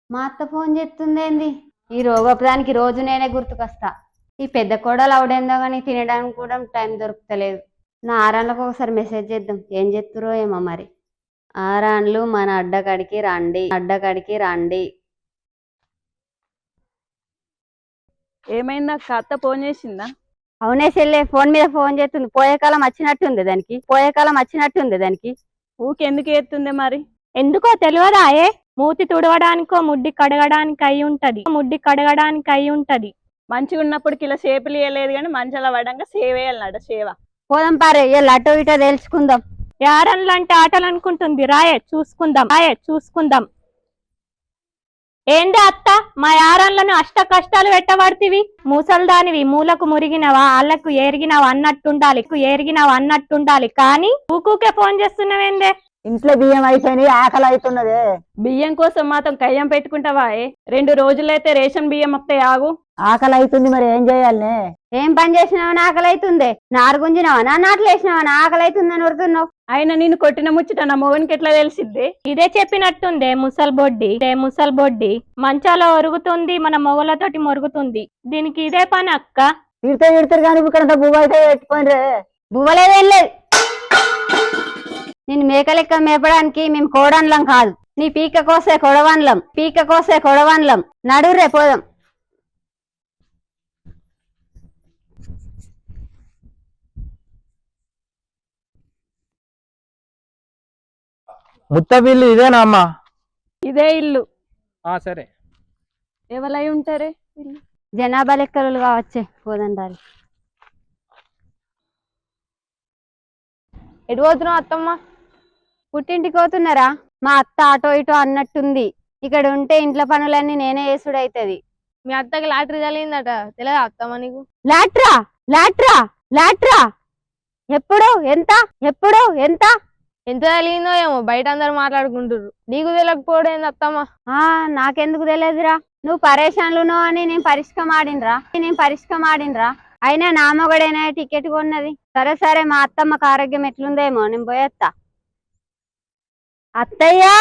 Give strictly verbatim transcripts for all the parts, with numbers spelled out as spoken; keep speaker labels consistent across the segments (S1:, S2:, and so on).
S1: మా అత్త ఫోన్ చేస్తుందేంది? ఈ రోగపదానికి రోజు నేనే గుర్తుకొస్తా. ఈ పెద్ద కోడలు అవడేందో కానీ తినడానికి కూడా టైం దొరుకుతలేదు. నా ఆరాన్లకు ఒకసారి మెసేజ్ చేద్దాం, ఏం చెప్తురో ఏమో మరి. ఆరాన్లు మన అడ్డకాడికి రండి, అడ్డకాడికి రండి.
S2: ఏమైందా అత్త ఫోన్ చేసిందా?
S1: అవునే చెల్లె, ఫోన్ మీద ఫోన్ చేస్తుంది. పోయే కాలం వచ్చినట్టుంది దానికి, పోయే కాలం వచ్చినట్టుంది దానికి.
S2: ఊకెందుకు ఎత్తుంది మరి?
S3: ఎందుకో తెలియదా? ఏ మూతి తుడవడానికో ముడ్డి కడగడానికి అయి ఉంటది, ముడ్డి కడగడానికి అయి ఉంటది.
S2: మంచిగా ఉన్నప్పుడు ఇలా సేపులు ఇవ్వలేదు కానీ మంచిగా పడంగా సేవ వేయాలన్నాడు. సేవ
S1: పోదాం పారే, ఇలా అటో ఇటో తెలుసుకుందాం.
S3: యారన్లు అంటే ఆటలు అనుకుంటుంది. రాయే చూసుకుందాం, రాయే చూసుకుందాం. ఏంది అత్త, మా యారన్లను అష్ట కష్టాలు పెట్టబడితివి? మూసల్దానివి, మూలకు మురిగినవా, ఆళ్లకు ఏరిగినవా అన్నట్టుండాలి, ఏరిగినవా అన్నట్టుండాలి. కానీ ఊకూకే ఫోన్ చేస్తున్నావేందే?
S4: ఇంట్లో బియ్యం అయిపోయినాయి, ఆకలి అవుతున్నదే.
S2: బియ్యం కోసం మాత్రం కయ్యం పెట్టుకుంటావా? రెండు రోజులైతే రేషన్ బియ్యం వస్తాయి. ఆగు,
S4: ఆకలి అవుతుంది, మరి ఏం చేయాలనే?
S1: ఏం పని చేసినావని ఆకలి అవుతుంది? నారు గుంజినావా, నా నాట్లు వేసినావా ఆకలి అవుతుందని వరుతున్నావు?
S2: ఆయన నేను కొట్టిన ముచ్చట నా మొగనికి ఎట్లా తెలిసిద్ది?
S3: ఇదే చెప్పినట్టుందే ముసల్బొడ్డి, ఇదే ముసల్బొడ్డి. మంచాలో ఒరుగుతుంది, మన మొగలతోటి మొరుగుతుంది. దీనికి ఇదే పని అక్క.
S4: తిడితే తిడతారు కానీ ఇక్కడ బువ్వ అయితే పెట్టుకోండి.
S1: బువ్వలేదేం లేదు. నేను మేకలెక్క మేపడానికి మేము కోడన్లం కాదు. నీ పీక కోసే కొడవన్లం, పీక కోసే కొడవన్లం. నడురే పోదాం.
S5: ముత్తపిల్లి ఇదేనా అమ్మా?
S2: ఇదే ఇల్లు.
S5: ఆ సరే.
S2: ఎవరై ఉంటారే?
S1: జనాభా లెక్కలు కావచ్చే, పోదండాలి. ఎటు పోతున్నావు అత్తమ్మ? పుట్టింటికి పోతున్నారా? మా అత్త అటో ఇటో అన్నట్టుంది. ఇక్కడ ఉంటే ఇంట్లో పనులన్నీ నేనే చేసుడైతది.
S6: మీ అత్తకి లాటరీ తగిలిందట, తెలియదా అత్తమ్మ నీకు?
S1: లాట్రా లాట్రా లాట్రా ఎప్పుడు ఎంత ఎప్పుడు ఎంత
S6: ఎంత తగిలిందో ఏమో, బయట అందరు మాట్లాడుకుంటారు. నీకు తెలియకపోవడం ఏంది అత్తమ్మ?
S1: ఆ నాకెందుకు తెలియదురా? నువ్వు పరేషాన్లునో అని నేను పరిష్కం ఆడినరా నేను పరిష్కం ఆడినరా అయినా నా మొగడేనా టికెట్ కొన్నది. సరే సరే, మా అత్తమ్మకు ఆరోగ్యం ఎట్లుందేమో, నేను పోయేస్తా. అత్తయ్యా,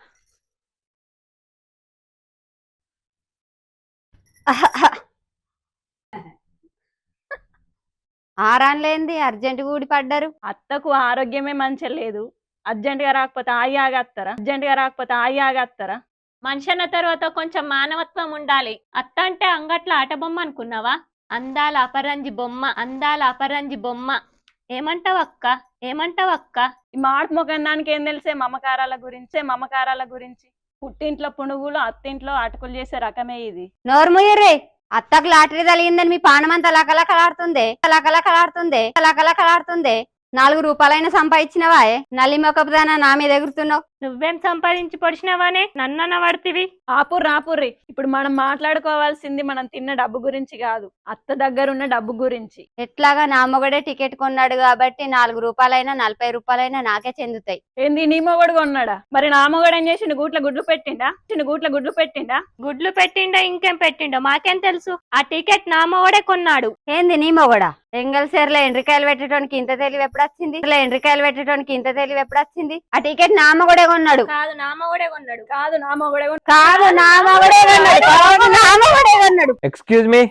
S1: ఆరాన్లేంది అర్జెంట్ ఊడి పడ్డారు?
S2: అత్తకు ఆరోగ్యమే మంచిగా లేదు. అర్జెంట్ గా రాకపోతే ఆగి ఆగేస్తారా? అర్జెంట్ గా రాకపోతే ఆగి ఆగేస్తారా?
S3: మనిషి అన్న తర్వాత కొంచెం మానవత్వం ఉండాలి. అత్త అంటే అంగట్ల ఆట బొమ్మ అనుకున్నావా? అందాల అపరంజి బొమ్మ, అందాల అపరంజి బొమ్మ. ఏమంటావక్క, ఏమంటావక్క?
S2: ఈ మాట మొగన్నానికి ఏం తెలిసే మమకారాల గురించే మమకారాల గురించి. పుట్టింట్లో పునుగులు, అత్తింట్లో అటుకులు చేసే రకమే ఇది.
S1: నోర్ముయ్యరే, అత్తకు లాటరీ తగిలిందని మీ పానమంతా లకలకలాడుతుందే, లకలకలాడుతుందే, లకలకలాడుతుందే. నాలుగు రూపాయలైనా సంపాదించినవా? నల్లి మొక్కపుదానా నా మీద ఎగురుతున్నావు?
S3: నువ్వేం సంపాదించి పొడిచినవానే, నన్న పడుతుంది.
S2: ఆపుర్రి ఆపుర్రి, ఇప్పుడు మనం మాట్లాడుకోవాల్సింది మనం తిన్న డబ్బు గురించి కాదు, అత్త దగ్గర ఉన్న డబ్బు గురించి.
S1: ఎట్లాగా నా మొగడే టికెట్ కొన్నాడు కాబట్టి నాలుగు రూపాయలైనా నలభై రూపాయలైనా నాకే చెందుతాయి.
S2: ఏంది నీ మొగడు కొన్నాడా? మరి నా మొగడు ఏం చేసిండు? గూట్ల గుడ్లు పెట్టిండా? చిన్న గూట్ల గుడ్లు పెట్టిండా?
S3: గుడ్లు పెట్టిండో ఇంకేం పెట్టిండో మాకేం తెలుసు. ఆ టికెట్ నా మొగడే కొన్నాడు.
S1: ఏంది నీ మొగడా? ఎంగల్ సేర్లో ఎండ్రికాయలు పెట్టడానికి ఇంత తెలివి ఎప్పుడు వచ్చింది? ఎండ్రికాయలు పెట్టడానికి ఇంత తెలివి ఎప్పుడు వచ్చింది? ఆ టికెట్ నా మొగడే కొన్నాడు.
S3: కాదు నా మొగడే కొన్నాడు.
S2: కాదు నా మొగడే
S1: కాదు నా మొగడే కొన్నాడు. కాదు నా మొగడే కొన్నాడు.
S5: ఎక్స్క్యూజ్ మీ,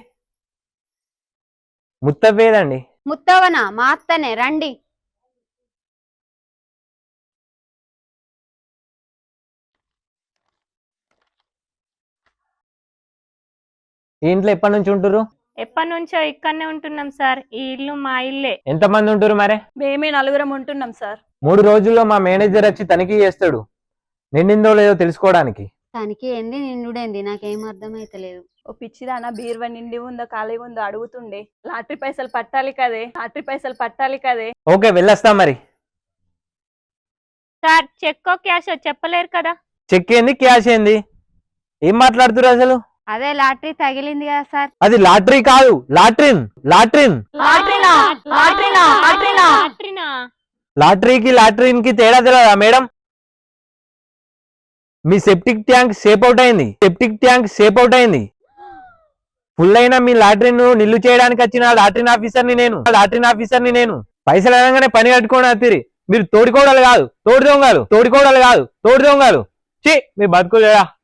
S5: ముత్తవేదండి?
S1: ముత్తవనా? మా అత్తనే, రండి.
S5: ఈ ఇంట్లో ఎప్పటి నుంచి ఉంటురు?
S3: ఎప్పటి నుంచో ఇక్కడనే ఉంటున్నాం సార్. ఈ ఇల్లు మా ఇల్లే.
S5: ఎంత మంది ఉంటురు మరే?
S2: మేమే నలుగురం ఉంటున్నాం సార్.
S5: మూడు రోజుల్లో మా మేనేజర్ వచ్చి తనిఖీ చేస్తాడు, నిండిందో లేదో తెలుసుకోవడానికి.
S1: తనకి ఏంది నిండుడేంది నాకేం అర్థమైతలేదు.
S2: ఓ పిచ్చిదానా, బీరువా నిండి ఉందో ఖాళీ ఉందో అడుగుతుండే. లాటరీ పైసలు పట్టాలి కదే, లాటరీ పైసలు పట్టాలి కదే.
S5: ఓకే, వెళ్ళొస్తాం మరి.
S3: సార్ చెక్కో క్యాషో చెప్పలేరు కదా?
S5: చెక్ ఏంది, క్యాష్ ఏంది, ఏం మాట్లాడుతురు అసలు?
S1: అదే లాటరీ తగిలింది కదా సార్.
S5: అది లాటరీ కాదు, లాట్రిన్. లాట్రిన్
S3: లాటరీనా? లాటరీనా? లాటరీనా? లాటరీనా?
S5: లాటరీకి లాట్రిన్ కి తేడా తెలియదా మేడం? మీ సెప్టిక్ ట్యాంక్ సేప్ అవుట్ అయింది, సెప్టిక్ ట్యాంక్ సేప్ అవుట్ అయింది. ఫుల్ అయినా మీ లాటరీను నిల్లు చేయడానికి వచ్చిన లాటరీన్ ఆఫీసర్ని నేను, లాటరీన్ ఆఫీసర్ని నేను. పైసలు అనగానే పని కట్టుకోండి అత్తిరి. మీరు తోడికోడలు కాదు, తోడి దొంగలు, తోడికోడలు కాదు, తోడి దొంగలు. ఛీ, మీ బతుకులేదా?